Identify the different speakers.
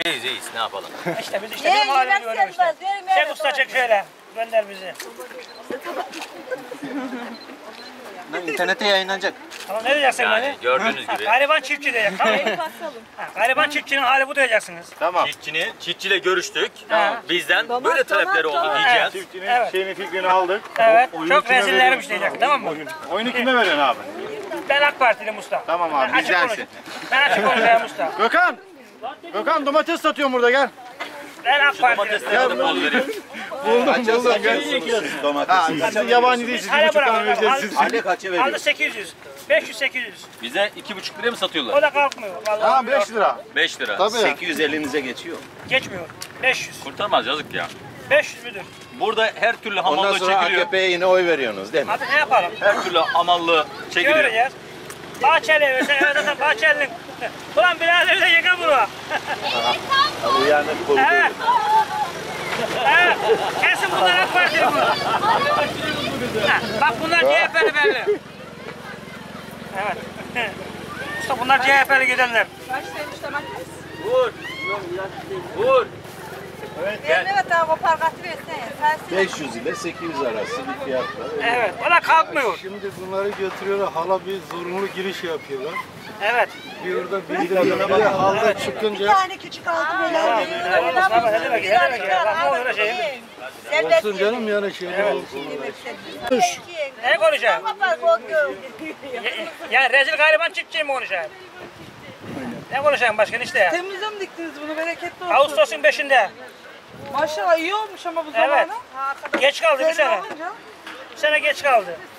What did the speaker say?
Speaker 1: İyiyiz ne yapalım.
Speaker 2: İşte biz işte benim halimi görüyoruz işte. Çek usta çek şöyle. Gönder bizi.
Speaker 1: İnternete yayınlanacak.
Speaker 2: Tamam ne diyeceksin
Speaker 1: Yani
Speaker 2: beni?
Speaker 1: gördüğünüz gibi.
Speaker 2: Gariban çiftçi diyecek tamam mı? Gariban çiftçinin hali bu diyeceksiniz.
Speaker 3: Tamam.
Speaker 1: Çiftçiyle görüştük.
Speaker 2: Tamam.
Speaker 1: Bizden böyle talepleri oldu diyeceğiz.
Speaker 3: Çiftçinin
Speaker 2: Evet.
Speaker 3: şeyini fikrini aldık.
Speaker 2: Evet.
Speaker 3: Oyunu
Speaker 2: Çok
Speaker 3: kime
Speaker 2: rezillermiş
Speaker 3: veriyorsun?
Speaker 2: diyecek tamam mı?
Speaker 3: Oyunu kime veriyorsun abi?
Speaker 2: Ben AK Partiliyim usta.
Speaker 3: Tamam abi,
Speaker 2: Ben açık
Speaker 3: bizdensin.
Speaker 2: konuşayım. Ben açık konuşayım usta.
Speaker 3: Gökhan! Gökhan domates satıyorum burada gel.
Speaker 2: Ben AK Partiliyim.
Speaker 1: Domatesleri de bol vereyim.
Speaker 3: Buldum gel. Ha, siz yabancı değilsiniz.
Speaker 2: Hadi
Speaker 3: 1,5 tane
Speaker 2: bırakın.
Speaker 3: vereceğiz siz.
Speaker 1: Anne kaça veriyor?
Speaker 2: Aldı 800. 500-800.
Speaker 1: Bize 2,5 liraya mı satıyorlar?
Speaker 2: O da kalkmıyor. Vallahi
Speaker 3: Tamam 5 lira.
Speaker 1: 5 lira.
Speaker 3: Tabii.
Speaker 4: 800 elinize geçiyor.
Speaker 2: Geçmiyor. 500.
Speaker 1: Kurtarmaz yazık ya.
Speaker 2: 500 müdür?
Speaker 1: Burada her türlü
Speaker 4: Ondan
Speaker 1: hamallığı
Speaker 4: sonra
Speaker 1: çekiliyor.
Speaker 4: AKP'ye yine oy veriyorsunuz değil mi?
Speaker 2: Abi ne yapalım?
Speaker 1: Her türlü hamallığı çekiliyor.
Speaker 2: Göreceğiz. Bahçeli versen zaten Bahçeli'nin. Ulan birader de yıka bunu.
Speaker 4: Uyanık buldu.
Speaker 2: Evet. Evet. Kesin bunlar AK Partili bu. Ha, bak bunlar CHP'li belli. Evet. Usta bunlar CHP'li gidenler.
Speaker 5: Başlaymış domates.
Speaker 1: Vur. Vur.
Speaker 5: Evet abi o parkatı versene.
Speaker 4: 500 ile 800 arası bir fiyat var.
Speaker 2: Evet. O da kalkmıyor.
Speaker 6: Şimdi bunları götürüyorlar, hala bir zorunlu giriş yapıyorlar.
Speaker 2: Evet.
Speaker 6: Bir orada biri halda
Speaker 5: Bir
Speaker 6: çıkınca
Speaker 5: tane küçük altı böyle.
Speaker 2: Ne demek ya? Bak ne oluyor şey?
Speaker 6: olsun canım yani şeyler olsun.
Speaker 2: Ne konuşayım? Ya rezil gariban çiftçiyim mi konuşayım? Ne konuşayım başkan işte ya?
Speaker 5: Temmuz'da mı diktiniz bunu? Bereketli olsun.
Speaker 2: Ağustos'un 5'inde.
Speaker 5: Maşallah iyi olmuş ama bu
Speaker 2: Evet.
Speaker 5: zamanı.
Speaker 2: Geç kaldı bir sene.
Speaker 5: Olunca.
Speaker 2: Bir sene geç kaldı.